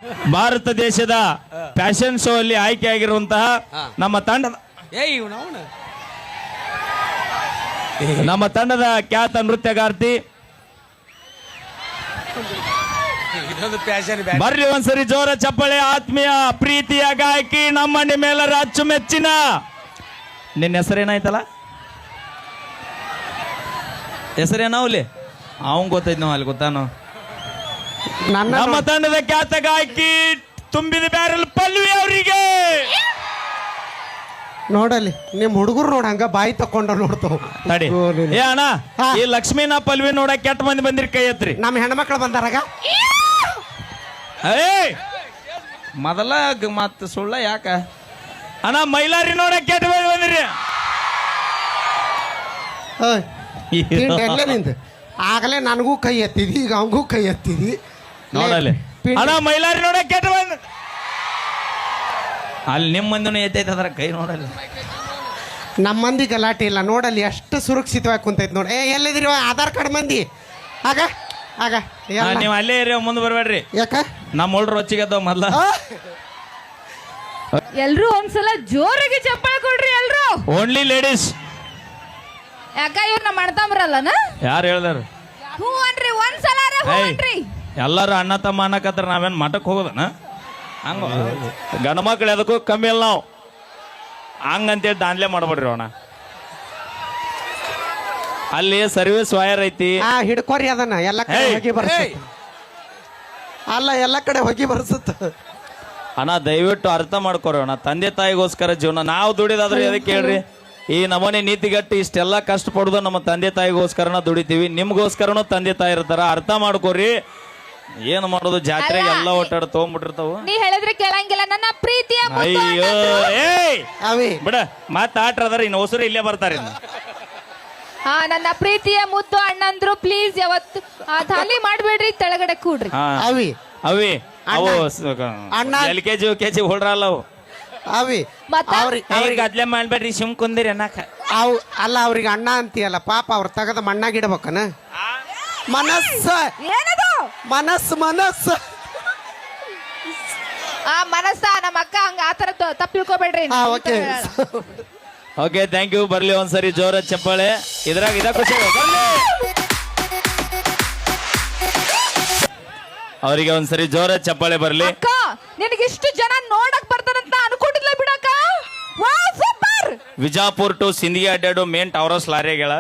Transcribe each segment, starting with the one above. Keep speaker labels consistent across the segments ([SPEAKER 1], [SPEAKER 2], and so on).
[SPEAKER 1] ಭಾರತ ದೇಶದ fashion show ಅಲ್ಲಿ ಆಯ್ಕೆಯಾಗಿರುವಂತಹ ನಮ್ಮ ತಂಡದ ನಮ್ಮ ತಂಡದ ಖ್ಯಾತ ನೃತ್ಯಗಾರ್ತಿ ಬರ್ಲಿ ಒಂದ್ಸರಿ ಜೋರ ಚಪ್ಪಳೆ. ಆತ್ಮೀಯ ಪ್ರೀತಿಯ ಗಾಯಕಿ ನಮ್ಮ ನಿಮ್ಮೆಲ್ಲರ ಅಚ್ಚುಮೆಚ್ಚಿನ, ನಿನ್ನ ಹೆಸರೇನಾಯ್ತಲ್ಲ, ಹೆಸರೇನಾವ್ಲಿ ಅವನ್ ಗೊತ್ತೈತ್ ನಾವು ಅಲ್ಲಿ ಗೊತ್ತಾನು. ನಮ್ಮ ತಂಡದ ಖ್ಯಾತ ಗಾಯಕಿ ತುಂಬಿದ ಬ್ಯಾರಲ್ ಪಲ್ವಿ ಅವರಿಗೆ
[SPEAKER 2] ನೋಡಲಿ ನಿಮ್ ಹುಡುಗರು ನೋಡ ಹಂಗ ಬಾಯಿ ತಕೊಂಡ ನೋಡ್ತಾವ.
[SPEAKER 1] ತಡಿ ಏ ಅಣ್ಣ, ಈ ಲಕ್ಷ್ಮೀನ ಪಲ್ವಿ ನೋಡಕ್ ಕೆಟ್ಟ ಮಂದಿ ಬಂದಿರಿ, ಕೈ ಎತ್ರಿ.
[SPEAKER 2] ನಮ್ಮ ಹೆಣ್ಮಕ್ಳು ಬಂದಾರಾಗ
[SPEAKER 1] ಮೊದಲ ಮತ್ ಸುಳ್ಳ ಯಾಕ ಅಣ್ಣ, ಮೈಲಾರಿ ನೋಡಕ್ ಕೆಟ್ಟ ಮಂದಿ ಬಂದಿರಿ.
[SPEAKER 2] ಎಲ್ಲ ನಿಂದು ಆಗಲೇ ನನಗೂ ಕೈ ಎತ್ತಿದಿ, ಈಗ ಅವಂಗೂ ಕೈ ಎತ್ತಿದಿ.
[SPEAKER 1] ನೋಡಲಿ ಅಣ್ಣ, ಮೈಲಾರಿ ನೋಡಕ್ ಕೆಟ್ಟ ಮಂದಿ ಅಲ್ಲಿ ನಿಮ್ಮ ಮಂದಿನೂ ಎತ್ತೈತೆ ಅದ್ರ ಕೈ ನೋಡಲ್ಲ.
[SPEAKER 2] ನಮ್ಮ ಮಂದಿ ಗಲಾಟೆ ಇಲ್ಲ ನೋಡಲ್ಲಿ, ಎಷ್ಟು ಸುರಕ್ಷಿತವಾಗಿ ಕುಂತೈತಿ ನೋಡಿ. ಎಲ್ಲಿದಿರಿ ಆಧಾರ್ ಕಾರ್ಡ್ ಮಂದಿ? ಆಗ ಆಗ
[SPEAKER 1] ನೀವು ಅಲ್ಲೇ ಇರಿ, ಮುಂದೆ ಬರ್ಬೇಡ್ರಿ.
[SPEAKER 2] ಯಾಕ
[SPEAKER 1] ನಮ್ಮ ಹುಡ್ರು ಹೊಚ್ಚಿಗೆದ್ದವ್ ಮೊದ್ಲ.
[SPEAKER 3] ಎಲ್ರು ಒಂದ್ಸಲ ಜೋರಾಗಿ ಚಪ್ಪಾಳೆ ಕೊಡ್ರಿ ಎಲ್ರು.
[SPEAKER 1] Only ladies.
[SPEAKER 3] ಯಾಕ ಇವ್ರ ನಮ್ಮ ಅಣ್ತಂಬ್ರಲ್ಲನ?
[SPEAKER 1] ಯಾರು ಹೇಳ್ದಾರ?
[SPEAKER 3] ಹೂ ಅನ್ರಿ, ಒಂದ್ಸಲ ಹೂ ಅನ್ರಿ.
[SPEAKER 1] ಎಲ್ಲಾರು ಅಣ್ಣ ತಮ್ಮ ಅನ್ನಕತ್ರ ನಾವೇನ್ ಮಠಕ್ ಹೋಗೋದನ? ಹಂಗ ಗಂಡ ಮಕ್ಳು ಅದಕ್ಕೂ ಕಮ್ಮಿ ಇಲ್ಲ ನಾವು. ಹಂಗಂತೇಳಿ ದಾನ್ಲೆ ಮಾಡ್ಬೇಡ್ರಿ ಅಣ್ಣ. ಅಲ್ಲಿ ಸರ್ವಿಸ್ ವಾಯರ್ ಐತಿ,
[SPEAKER 2] ಹಿಡ್ಕೋರಿ ಅದನ್ನ. ಎಲ್ಲ ಕಡೆ ಹೋಗಿ ಬರ್ಸುತ್ತ. ಅಲ್ಲ, ಎಲ್ಲ ಕಡೆ ಹೋಗಿ ಬರ್ಸುತ್ತ
[SPEAKER 1] ಅಣ್ಣ. ದಯವಿಟ್ಟು ಅರ್ಥ ಮಾಡ್ಕೊರಿ ಅಣ್ಣ, ತಂದೆ ತಾಯಿಗೋಸ್ಕರ ಜೀವನ ನಾವು ದುಡಿದಾದ್ರೆ ಅದಕ್ಕೆ ಹೇಳ್ರಿ. ಈ ನಮನೆ ನೀತಿಗಟ್ಟಿ ಇಷ್ಟೆಲ್ಲ ಕಷ್ಟ ಪಡೋದು ನಮ್ಮ ತಂದೆ ತಾಯಿಗೋಸ್ಕರನ ದುಡಿತೀವಿ. ನಿಮ್ಗೋಸ್ಕರನು ತಂದೆ ತಾಯಿ ಇರ್ತಾರ, ಅರ್ಥ ಮಾಡ್ಕೊರಿ. ಏನ್ ಮಾಡೋದು, ಜಾತ್ರೆಗೆ ಎಲ್ಲ ಒಟ್ಟಾಡ ತಗೊಂಡ್ಬಿಟ್ಟಿರ್ತಾವ.
[SPEAKER 3] ನೀ ಹೇಳಿದ್ರೆ ಕೇಳಂಗಿಲ್ಲ. ನನ್ನ ಪ್ರೀತಿಯ
[SPEAKER 1] ಅಯ್ಯೋ ಬಿಡ, ಮತ್ತ ಆಟ್ರ ಅದಾರ, ಇನ್ನು ಹೊಸರು ಇಲ್ಲೇ ಬರ್ತಾರೆ.
[SPEAKER 3] ನನ್ನ ಪ್ರೀತಿಯ ಮುದ್ದು ಅಣ್ಣಂದ್ರು, ಪ್ಲೀಸ್ ಯಾವತ್ತು ಖಾಲಿ ಮಾಡ್ಬೇಡ್ರಿ, ತೆಳಗಡೆ ಕೂಡ್ರಿ.
[SPEAKER 2] ಅವಿ
[SPEAKER 1] ಅವಿ ಅವು LKG UKG ಹೊಡ್ರಲ್ಲ ಅವು.
[SPEAKER 2] ಅವಿ
[SPEAKER 1] ಅವ್ರಿಗೆ ಅದ್ಲೆ ಮಾಡ್ಬೇಡ್ರಿ, ಸುಮ್ ಕುಂದಿರಿ ಅನ್ನಕ.
[SPEAKER 2] ಅವು ಅಲ್ಲ, ಅವ್ರಿಗೆ ಅಣ್ಣ ಅಂತೀಯಲ್ಲ, ಪಾಪ ಅವ್ರ ತಗದ ಮಣ್ಣಾಗಿಡ್ಬೇಕನ. ಮನಸ್ಸು ಮನಸ್ಸು ಮನಸ್ಸು
[SPEAKER 3] ಮನಸ್ಸ ನಮ್ಮ ಅಕ್ಕ ಹಂಗ ಆತರ ತಪ್ಪಿಳ್ಕೋಬೇಡ್ರಿ.
[SPEAKER 1] Okay, thank you. ಬರ್ಲಿ ಒಂದ್ಸರಿ ಜೋರ ಚಪ್ಪಾಳೆ. ಇದ್ರಾಗ ಇದ ಖುಷಿ ಬರ್ಲಿ. ಅವರಿಗೆ ಒಂದ್ಸರಿ ಜೋರ ಚಪ್ಪಾಳೆ ಬರ್ಲಿ.
[SPEAKER 3] ಅಕ್ಕ, ನಿನಗೆ ಇಷ್ಟು ಜನ ನೋಡಕ್ ಬರ್ತಾರಂತ ಅನ್ಕೊಂಡಿದ್ಲ ಬಿಡಕ್ಕ. ಸೂಪರ್.
[SPEAKER 1] ವಿಜಾಪುರ್ ಟು ಸಿಂಧಿಗೆ ಅಡ್ಡಾಡು ಮೇನ್ ಟವರಸ್ ಲಾರಿಗಳ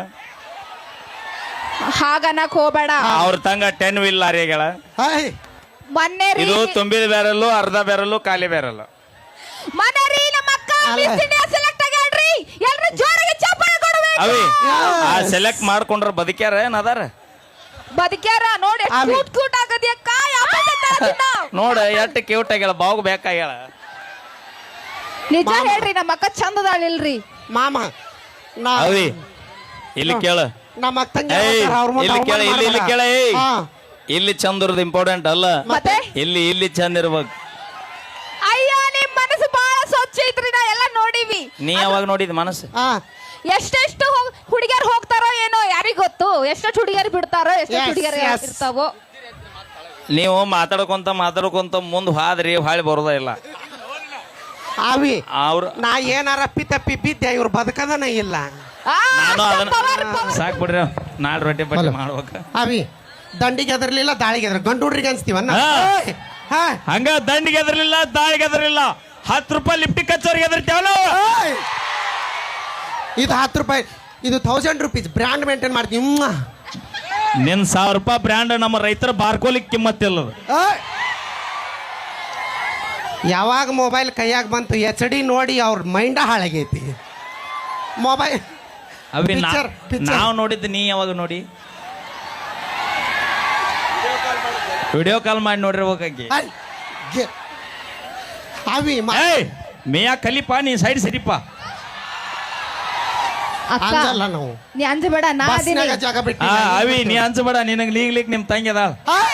[SPEAKER 3] ಹಾಗನಕ್ ಹೋಗ್ಬೇಡ.
[SPEAKER 1] ಅವ್ರ ತಂಗ 10 ವೀಲ್ ಲಾರಿಗಳ.
[SPEAKER 3] ಮೊನ್ನೆ
[SPEAKER 1] ಇದು ತುಂಬಿದ ಬ್ಯಾರಲ್ಲು, ಅರ್ಧ ಬ್ಯಾರಲ್ಲು, ಖಾಲಿ ಬ್ಯಾರಲ್ಲು.
[SPEAKER 3] ಮನರಿ ನಮ್ಮ ಅಕ್ಕ ಮಿಸ್ ಇಂಡಿಯಾ ಸೆಲೆಕ್ಟ್ ಆಗ್ಯಾಳ್ರಿ. ಎಲ್ಲರೂ ಜೋರಾಗಿ ಚಪ್ಪಾಳೆ ಕೊಡಬೇಕು.
[SPEAKER 1] ಅವಿ ಆ ಸೆಲೆಕ್ಟ್ ಮಾಡ್ಕೊಂಡ್ರ ಬದುಕ್ಯಾರ ಏನ್ ಅದಾರ?
[SPEAKER 3] ಬದುಕ್ಯಾರ. ನೋಡಿ ಕ್ಯೂಟ್ ಕ್ಯೂಟ್ ಆಗದಿ ಅಕ್ಕ.
[SPEAKER 1] ನೋಡ ಎಷ್ಟು ಕ್ಯೂಟ್ ಆಗ್ಯಾಳ, ಬಾವು ಬೇಕಾಗ್ಯಾಳ.
[SPEAKER 3] ನಿಜ ಹೇಳ್ರಿ, ನಮ್ಮ ಅಕ್ಕ ಚಂದದಾಳಿಲ್ರಿ
[SPEAKER 2] ಮಾಮ.
[SPEAKER 1] ಅವಿ ಇಲ್ಲಿ ಕೇಳ,
[SPEAKER 2] ನಮ್ಮ
[SPEAKER 1] ಇಲ್ಲಿ ಕೇಳ, ಇಲ್ಲಿ ಕೇಳ. ಇಲ್ಲಿ ಚಂದ ಇರೋದು ಇಂಪಾರ್ಟೆಂಟ್ ಅಲ್ಲ, ಇಲ್ಲಿ ಚಂದ ಇರ್ಬೇಕು.
[SPEAKER 3] ಅಯ್ಯೋ, ನಿಮ್ ಮನಸ್ಸು ಬಹಳ ಸ್ವಚ್ಛ ಐತ್ರಿ, ನಾ ಎಲ್ಲ ನೋಡಿವಿ.
[SPEAKER 1] ನೀ ಯಾವಾಗ ನೋಡಿದ ಮನಸ್ಸು?
[SPEAKER 3] ಎಷ್ಟೆಷ್ಟು ಹುಡುಗಿಯರು ಹೋಗ್ತಾರೋ ಏನೋ ಯಾರಿಗ್ ಗೊತ್ತು. ಎಷ್ಟೆಷ್ಟು ಹುಡುಗಿಯರು ಬಿಡ್ತಾರೋ, ಎಷ್ಟೆಷ್ಟು ಹುಡುಗಿಯರು ಇರ್ತಾವೋ.
[SPEAKER 1] ನೀವು ಮಾತಾಡ್ಕೊಂತ ಮುಂದ್ ಹಾದ್ರಿ ಹಾಳಿ ಬರೋದ ಇಲ್ಲ.
[SPEAKER 2] ಅವಿ ನಾ ಏನಾರ ತಪ್ಪಿ ಬಿದ್ದೆ, ಇವ್ರು ಬದುಕದನ ಇಲ್ಲ.
[SPEAKER 1] ನಾನು ಅದನ್ನ ಸಾಕ್ ಬಿಡ್ರಿ, ನಾಳೆ ರೊಟ್ಟಿ ಪಟ್ಟಿ ಮಾಡ್ಬೇಕ.
[SPEAKER 2] ಅವಿ ದಂಡಿಗೆ ಎದರ್ಲಿಲ್ಲ, ದಾಳಿಗೆ ಎದ್ರ ಗಂಡು ಹುಡ್ರಿಗೆ ಅನ್ಸ್ತೀವನ್ನ.
[SPEAKER 1] ಹಂಗ ದಂಡಿಗೆ ಎದರ್ಲಿಲ್ಲ, ದಾಳಿಗೆ ಎದರ್ಲಿಲ್ಲ. 10 ರೂಪಾಯಿ ಲಿಫ್ಟಿ ಕಚ್ಚೋರಿಗೆ ಎದರ್ತೀವಲ್ಲ.
[SPEAKER 2] ಇದು 10 ರೂಪಾಯಿ, ಇದು 1000 ರೂಪೀಸ್ ಬ್ರ್ಯಾಂಡ್ ಮೇಂಟೈನ್ ಮಾಡ್ತೀವಿ.
[SPEAKER 1] ನಿನ್ 1000 ರೂಪಾಯಿ ಬ್ರ್ಯಾಂಡ್ ನಮ್ಮ ರೈತರ ಬಾರ್ಕೋಲಿಕ್ಕೆ ಕಿಮ್ಮತ್ತಿಲ್ಲ.
[SPEAKER 2] ಯಾವಾಗ ಮೊಬೈಲ್ ಕೈಯಾಗ ಬಂತು HD ನೋಡಿ ಅವ್ರ ಮೈಂಡ ಹಾಳಾಗೈತಿ. ಮೊಬೈಲ್
[SPEAKER 1] ಅವಿ ನಾವು ನೋಡಿದ್ದು, ನೀ ಯಾವಾಗ ನೋಡಿ? ವಿಡಿಯೋ ಕಾಲ್ ಮಾಡಿ ನೋಡಿರ್ಬೇಕಾಗಿ.
[SPEAKER 2] ಅವಿ
[SPEAKER 1] ಮೇಯಾ ಕಲಿಪಾ, ನೀ ಸೈಡ್ ಸರಿಪಾ.
[SPEAKER 2] ಅಂಜಲ್ಲ ನಾವು.
[SPEAKER 3] ನೀ ಅಂಜಬೇಡ, ನಾ
[SPEAKER 2] ಜಾಗ ಬಿಟ್ಟು.
[SPEAKER 1] ಅವಿ ನೀ ಅಂಜಬೇಡ, ನಿನಗೆ ಲೀಗ್ಲಿಕ್ ನಿಮ್ ತಂಗಿ ಅದಾಳ.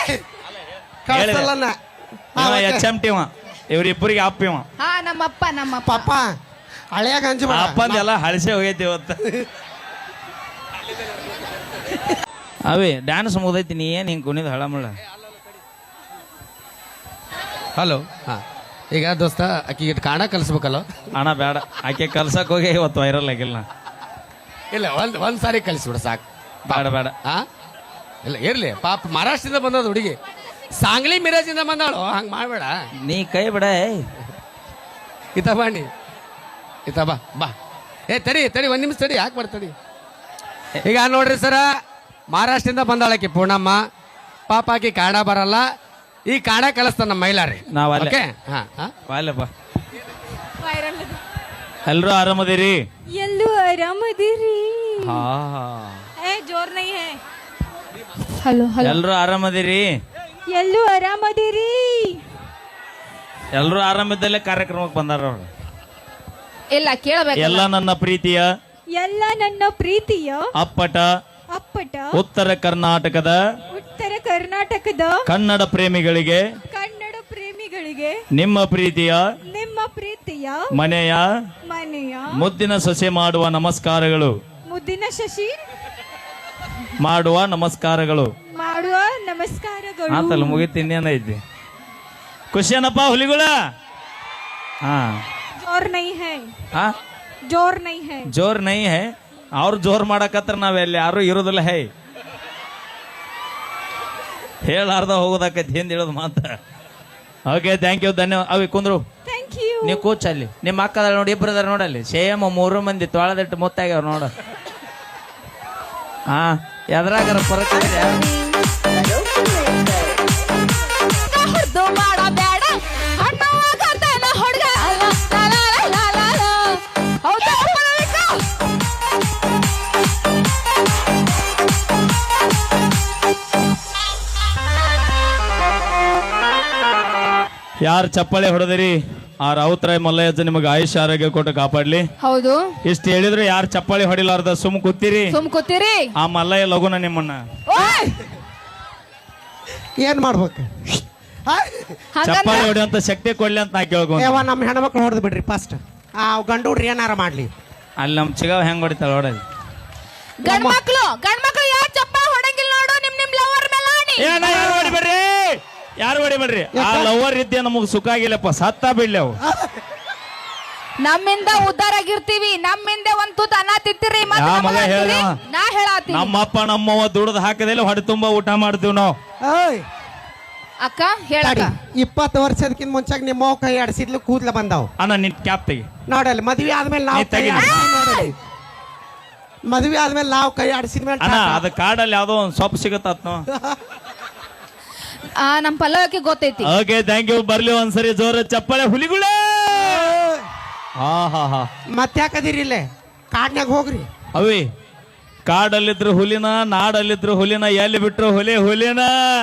[SPEAKER 1] HMT ಇವ್ರಿಬ್ಬರಿಗೆ ಅಪ್ಪಿವ.
[SPEAKER 3] ನಮ್ಮಪ್ಪ
[SPEAKER 2] ಪಾಪ ಹಳೆಯಾಗ ಅಂಜಬೇಡ.
[SPEAKER 1] ಅಪ್ಪಂದೆಲ್ಲ ಹಳಸೆ ಹೋಗೈತಿ ಇವತ್ತು. ಅವಿ ಡ್ಯಾನ್ಸ್ ಮುಗ್ದೈತಿ, ನೀ ಏನ್ ಹಿಂಗ್ ಕುಣಿದ್ ಹಳಮಳ.
[SPEAKER 2] ಹಲೋ ಹಾಂ ಈಗ ದೋಸ್ತ ಆಕಿಗೆ ಕಾಣ ಕಲಿಸ್ಬೇಕಲ್ಲ
[SPEAKER 1] ಅಣ್ಣ ಬೇಡ ಆಕೆ ಕಲ್ಸಕ್ ಹೋಗಿ ಇವತ್ತು ವೈರಲ್ ಆಗಿಲ್ಲ
[SPEAKER 2] ಇಲ್ಲ ಒಂದು ಸಾರಿ ಕಲಿಸ್ಬಿಡ ಸಾಕು
[SPEAKER 1] ಬೇಡ ಬೇಡ
[SPEAKER 2] ಹಾಂ ಇಲ್ಲ ಇರಲಿ ಪಾಪ ಮಹಾರಾಷ್ಟ್ರದಿಂದ ಬಂದದ ಹುಡುಗಿ ಸಾಂಗ್ಲಿ ಮಿರಾಜಿಂದ ಬಂದಾಳು ಹಂಗೆ ಮಾಡಬೇಡ
[SPEAKER 1] ನೀ ಕೈ ಬಿಡ
[SPEAKER 2] ಇತ ಬಾಣಿ ಇತ ಬಾ ಬಾ ತಡಿ ಒಂದು ನಿಮಿಷ ತಡಿ ಯಾಕೆ ಬರ್ತಡಿ ಈಗ ನೋಡ್ರಿ ಸರ ಮಹಾರಾಷ್ಟ್ರದಿಂದ ಬಂದಾಳಕಿ ಪೂರ್ಣಮ್ಮ ಪಾಪ ಆಕಿ ಕಾಣ ಬರಲ್ಲ ಈ ಕಾಣ ಕಲಿಸ್ತಾನ ನಮ್ಮ ಮೈಲಾರಿ
[SPEAKER 1] ನಾವ್ ಅಲ್ಲೇ.
[SPEAKER 2] ಓಕೆ ಹಾಂ ಹಾಂ
[SPEAKER 1] ಬಾಲ್ಯಪ್ಪ ಎಲ್ರು ಆರಾಮದಿರಿ
[SPEAKER 4] ಎಲ್ಲೂ ಆರಾಮದಿರಿ
[SPEAKER 1] ಹಾ
[SPEAKER 4] ಏ ಜೋರ್ ನೈ ಹೇ
[SPEAKER 3] ಹಲೋ ಹಲೋ
[SPEAKER 1] ಎಲ್ರು ಆರಾಮದಿರಿ
[SPEAKER 4] ಎಲ್ಲೂ ಆರಾಮದಿರಿ
[SPEAKER 1] ಎಲ್ರು ಆರಾಮಿದ್ದಲ್ಲೇ ಕಾರ್ಯಕ್ರಮಕ್ಕೆ ಬಂದಾರ ಅವ್ರು
[SPEAKER 3] ಇಲ್ಲ ಕೇಳಬೇಕು
[SPEAKER 1] ಎಲ್ಲ ನನ್ನ ಪ್ರೀತಿಯ
[SPEAKER 4] ಎಲ್ಲ ನನ್ನ ಪ್ರೀತಿಯ
[SPEAKER 1] ಅಪ್ಪಟ
[SPEAKER 4] ಅಪ್ಪಟ
[SPEAKER 1] ಉತ್ತರ ಕರ್ನಾಟಕದ
[SPEAKER 4] ಉತ್ತರ ಕರ್ನಾಟಕದ
[SPEAKER 1] ಕನ್ನಡ ಪ್ರೇಮಿಗಳಿಗೆ
[SPEAKER 4] ಕನ್ನಡ ಪ್ರೇಮಿಗಳಿಗೆ
[SPEAKER 1] ನಿಮ್ಮ ಪ್ರೀತಿಯ
[SPEAKER 4] ನಿಮ್ಮ ಪ್ರೀತಿಯ
[SPEAKER 1] ಮನೆಯ
[SPEAKER 4] ಮನೆಯ
[SPEAKER 1] ಮುದ್ದಿನ ಸೊಸೆ ಮಾಡುವ ನಮಸ್ಕಾರಗಳು
[SPEAKER 4] ಮುದ್ದಿನ ಶಶಿ
[SPEAKER 1] ಮಾಡುವ ನಮಸ್ಕಾರಗಳು
[SPEAKER 4] ಮಾಡುವ ನಮಸ್ಕಾರಗಳು
[SPEAKER 1] ಆತಲ್ಲ ಮುಗಿತು ಇನ್ನೇನೈತಿ ಖುಷಿಯನಪ್ಪ ಹುಲಿಗುಳ ಹಾ
[SPEAKER 4] ಜೋರ್ ನೈ ಹೇ
[SPEAKER 1] ಹಾ
[SPEAKER 4] ಜೋರ್ ನೈ ಹೇ
[SPEAKER 1] ಜೋರ್ ನೈ ಹೈ ಅವ್ರು ಜೋರ್ ಮಾಡಕತ್ರ ನಾವೆಲ್ಲಿ ಯಾರು ಇರೋದಿಲ್ಲ ಹೈ ಹೇಳಾರ್ದ ಹೋಗೋದಾಕೈತಿ ಹಿಂದ್ ಹೇಳೋದು ಮಾತ ಓಕೆ ಥ್ಯಾಂಕ್ ಯು ಧನ್ಯವಾದ ಅವಿ ಕುಂದ್ರು
[SPEAKER 4] ಥ್ಯಾಂಕ್ ಯು
[SPEAKER 1] ನೀವು ಕೂಚ್ ಅಲ್ಲಿ ನಿಮ್ಮ ಅಕ್ಕದ ನೋಡಿ ಇಬ್ಬರು ಅದಾರ ನೋಡಲ್ಲಿ ಸೇಮ್ 3 ಮಂದಿ ತೊಳೆದಿಟ್ಟು ಮುತ್ತಾಗ್ಯಾವ ನೋಡ ಹಾ ಎದ್ರಾಗಾರ ಫರಕ್ ಇದೆಯಾ?
[SPEAKER 3] ಹೊಡ್ದು ಮಾಡಬೇಡ ಹಣ್ಣಾಗತನ ಹುಡ್ಗ ಅಲ್ಲ, ಲ, ಲ, ಲ, ಲ, ಲ. ಹೌದಾ ಒಪ್ಕೊಳ್ಳಬೇಕು?
[SPEAKER 1] ಯಾರು ಚಪ್ಪಾಳೆ ಹೊಡೆದಿರಿ ಆ ರಾವುತರಾಯ್ ಮಲ್ಲಯ್ಯಜ್ಜ ನಿಮಗೆ ಆಯುಷ್ ಆರೋಗ್ಯ ಕೊಟ್ಟು ಕಾಪಾಡ್ಲಿ.
[SPEAKER 3] ಹೌದು
[SPEAKER 1] ಇಷ್ಟು ಹೇಳಿದ್ರು ಯಾರು ಚಪ್ಪಾಳೆ ಹೊಡಿಲಾರ್ದ ಸುಮ್ ಕೂತೀರಿ
[SPEAKER 3] ಸುಮ್ ಕೂತೀರಿ
[SPEAKER 1] ಆ ಮಲ್ಲಯ್ಯ ಲಗುನ ನಿಮ್ಮನ್ನ
[SPEAKER 3] ಓಯ್!
[SPEAKER 2] ಏನು ಮಾಡ್ಬೇಕು
[SPEAKER 3] ಹಂಗಂದ್ರ
[SPEAKER 1] ಚಪ್ಪಾಳೆ ಹೊಡಿಯುವಂತ ಶಕ್ತಿ ಕೊಡ್ಲಿ ಅಂತ ನಾ ಕೇಳ್ಕೊಂಡ್
[SPEAKER 2] ಏವ ನಮ್ಮ ಹೆಣ್ಮಕ್ಳು ಹೊಡೆದು ಬಿಡ್ರಿ ಫಸ್ಟ್ ಆ ಗಂಡು ಹುಡ್ರಿ ಏನಾರ ಮಾಡ್ಲಿ
[SPEAKER 1] ಅಲ್ಲಿ ನಮ್ ಚಿಗಾವ್ ಹೆಂಗ್ ಹೊಡಿತಾಳ ಹೊಡಲಿ
[SPEAKER 3] ಗಂಡ್ಮಕ್ಳು ಯಾರು ಚಪ್ಪ ಹೊಡಂಗಿಲ್ಲ ನೋಡು ನಿಮ್ ಲವರ್ ಮೇಲಾಣಿ
[SPEAKER 1] ಯಾರು ಹೊಡಿಬೇಡ್ರಿ ಯಾರು ಹೊಡಿಬೇಡ್ರಿ ಆ ಲವರ್ ಇದ್ದೆ ನಮಗ್ ಸುಖ ಆಗಿಲ್ಲಪ್ಪ ಸತ್ತ ಬಿಡ್ಲಿ ಅವು
[SPEAKER 3] ನಮ್ಮಿಂದ ಉದ್ದಾರ ಆಗಿರ್ತೀವಿ ನಮ್ಮಿಂದ ಒಂದ್ ತೂತ ಅನ್ನ ತಿಂತೀರಿ ಮತ್ತೆ
[SPEAKER 1] ಯಾ
[SPEAKER 3] ನಮಗ
[SPEAKER 1] ಮಗ
[SPEAKER 3] ಅಂತೀರಿ?
[SPEAKER 1] ಹೇಳ್ದವ?
[SPEAKER 3] ನಾ ಹೇಳಾತೀನಿ
[SPEAKER 1] ನಮ್ಮಪ್ಪ ನಮ್ಮವ್ವ ದುಡ್ದು ಹಾಕದಿಲ್ಲ ಹೊಡೆ ತುಂಬಾ ಊಟ ಮಾಡ್ತೀವಿ ನಾವು
[SPEAKER 2] ಓಯ್
[SPEAKER 3] ಅಕ್ಕ ಹೇಳಕ್ಕ
[SPEAKER 2] 20 ವರ್ಷದಕ್ಕಿಂತ ಮುಂಚಾಗ ನಿಮ್ಮ ಅವ್ವ ಕೈ ಆಡಿಸಿದ್ಲು ಕೂದ್ಲ ಬಂದಾವ್
[SPEAKER 1] ಅಣ್ಣ ನಿನ್ ಕ್ಯಾಪ್ ತೆಗಿ
[SPEAKER 2] ನೋಡಲ್ಲಿ ಮದ್ವೆ ಆದ್ಮೇಲೆ ನಾವು
[SPEAKER 1] ನೀ ತೆಗಿ.
[SPEAKER 2] ಮದ್ವೆ ಆದ್ಮೇಲೆ ನಾವು ಕೈ ಆಡಿಸಿದ್ಮೇಲೆ
[SPEAKER 1] ಅಣ್ಣ ಅದ ಕಾಡಲ್ಲಿ ಯಾವ್ದೋ ಒಂದ್ ಸೊಪ್ಪು ಸಿಗತ್ತ
[SPEAKER 3] ನಮ್ ಪಲ್ಲವಕ್ಕೆ ಗೊತ್ತೈತಿ
[SPEAKER 1] ಓಕೆ ಥ್ಯಾಂಕ್ ಯು ಬರ್ಲಿ ಒಂದ್ಸರಿ ಜೋರ ಚಪ್ಪಾಳೆ ಹುಲಿಗುಳೆ ಹಾ ಹಾ ಹಾ
[SPEAKER 2] ಮತ್ತೆ ಯಾಕದಿರಿ ಇಲ್ಲೇ ಕಾಡ್ನ್ಯಾಗ ಹೋಗ್ರಿ
[SPEAKER 1] ಅವಿ ಕಾಡಲ್ಲಿದ್ರು ಹುಲಿನ ನಾಡಲ್ಲಿದ್ರು ಹುಲಿನ ಎಲ್ಲಿ ಬಿಟ್ರು ಹುಲಿನ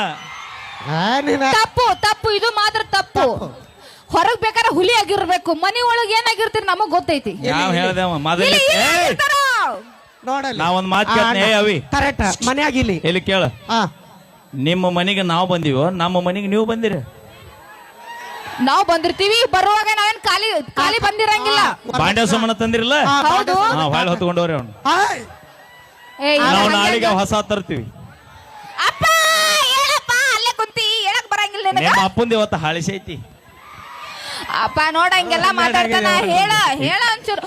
[SPEAKER 3] ತಪ್ಪು ಇದು ಮಾತ್ರ ತಪ್ಪು ಹೊರಗ್ ಬೇಕಾದ್ರೆ ಹುಲಿ ಆಗಿರ್ಬೇಕು ಮನಿ ಒಳಗ್ ಏನಾಗಿರ್ತೀರಿ ನಮಗ್ ಗೊತ್ತೈತಿ
[SPEAKER 1] ಯಾವ ಹೇಳ್ದೆ ಮೊದಲ
[SPEAKER 3] ಇಲ್ಲಿ ಏನಾಗಿರ್ತಾರೋ?
[SPEAKER 2] ನೋಡಲ್ಲಿ
[SPEAKER 1] ನಾವೊಂದ್ ಮಾತು ಕೇಳ್ತೀನಿ ಅವಿ
[SPEAKER 2] ಕರೆಕ್ಟ್ ಮನ್ಯಾಗ ಇಲ್ಲಿ
[SPEAKER 1] ಇಲ್ಲಿ ಕೇಳ
[SPEAKER 2] ಹಾ
[SPEAKER 1] ನಿಮ್ಮ ಮನೆಗೆ ನಾವು ಬಂದಿವೋ ನಮ್ಮ ಮನೆಗೆ ನೀವು ಬಂದಿರಿ
[SPEAKER 3] ನಾವ್ ಬಂದಿರ್ತೀವಿ ಬರುವಾಗ ನಾವೇನ್ ಖಾಲಿ ಬಂದಿರಂಗಿಲ್ಲ
[SPEAKER 1] ಬಾಂಡ್ಯ ಸುಮ್ಮನ ತಂದಿರಲ್ಲ
[SPEAKER 3] ಹೌದು
[SPEAKER 1] ಹಾ ಹೊಳ್ಳಿ ಹೊತ್ಕೊಂಡವ್ರಿ ಅವ್ನು
[SPEAKER 2] ಹಾಯ್
[SPEAKER 3] ಏಯ್,
[SPEAKER 1] ನಾವು
[SPEAKER 3] ಹಂಗೆ
[SPEAKER 1] ನಾಳೆಗೆ
[SPEAKER 3] ಹಂಗೆ.
[SPEAKER 1] ಹೊಸ ತರ್ತೀವಿ
[SPEAKER 3] ಅಪ್ಪ ಹೇಳಪ್ಪ ಅಲ್ಲೇ ಕುಂತಿ ಹೇಳಕ್ ಬರಂಗಿಲ್ಲ ನಿನಗ?
[SPEAKER 1] ನಿಮ್ಮ ಅಪ್ಪಂದ ಇವತ್ತು ಹಾಳಿಸೈತಿ
[SPEAKER 3] ಅಪ್ಪ ನೋಡಂಗೆಲ್ಲ ಮಾತಾಡ್ತಾನ ಹೇಳ ಒಂಚೂರು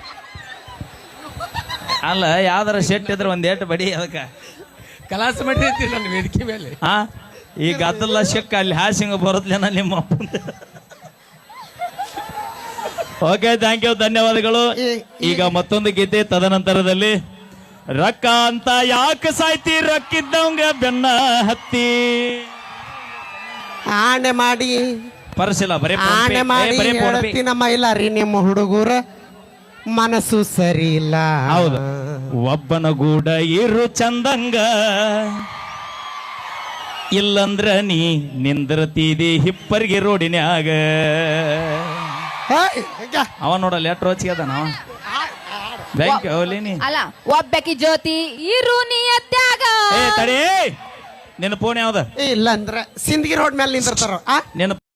[SPEAKER 1] ಅಲ್ಲ ಯಾವ್ದಾರ ಶೆಟ್ ಇದ್ರೆ ಒಂದ್ ಏಟ್ ಬಡಿ ಅದಕ್ಕ
[SPEAKER 2] ಕಲಾಸ ಮಾಡಿರ್ತೀವಿ ನನ್ನ ವೇದಿಕೆ ಮೇಲೆ
[SPEAKER 1] ಹಾ ಈ ಗದ್ದಲ ಶೆಕ್ಕ ಅಲ್ಲಿ ಹಾಸಿಂಗ ಬರೋದ್ಲೇನ ನಿಮ್ಮ ಅಪ್ಪಂದ ಓಕೆ ಥ್ಯಾಂಕ್ ಯು ಧನ್ಯವಾದಗಳು ಈಗ ಮತ್ತೊಂದು ಗೀತೆ ತದನಂತರದಲ್ಲಿ ರೊಕ್ಕ ಅಂತ ಯಾಕೆ ಸಾಯ್ತಿ ರೊಕ್ಕಿದ್ದಂಗ ಬೆನ್ನ ಹತ್ತಿ
[SPEAKER 2] ಆಣೆ ಮಾಡಿ
[SPEAKER 1] ಪರಸಿಲ್ಲ ಬರೀ ಫೋನ್ ಪೇ.
[SPEAKER 2] ಆಣೆ
[SPEAKER 1] ಏ,
[SPEAKER 2] ಮಾಡಿ
[SPEAKER 1] ಬರೀ ಫೋನ್ ಪೇ.
[SPEAKER 2] ಹೇಳ್ತೀನ ಮೈಲಾರಿ ನಿಮ್ಮ ಹುಡುಗರ ಮನಸ್ಸು ಸರಿ ಇಲ್ಲ
[SPEAKER 1] ಹೌದು ಒಬ್ಬನ ಗೂಡ ಇರು ಚಂದಂಗ ಇಲ್ಲಂದ್ರ ನೀ ನಿಂದ್ರತೀದಿ ಹಿಪ್ಪರ್ಗಿ ರೋಡಿನ್ಯಾಗ
[SPEAKER 2] ಹೇಯ್, ಈಗ.
[SPEAKER 1] ಅವ ನೋಡಲ್ಲ ಎಷ್ಟು ರೋಚಿಗೆ ಅದ ನಾವ ಬ್ಯಾಂಕ್ ಅವಲಿನಿ
[SPEAKER 3] ಅಲ್ಲ ಒಬ್ಬಕಿ ಜ್ಯೋತಿ ಇರು ನಿಯತ್ಯಾಗ
[SPEAKER 1] ಏ ತಡಿ ನಿನ್ನ ಫೋನ್ ಯಾವ್ದ
[SPEAKER 2] ಇಲ್ಲ ಅಂದ್ರ ಸಿಂದಗಿ ರೋಡ್ ಮೇಲೆ ನಿಂದಿರ್ತಾರ
[SPEAKER 1] ನಿನ್ನ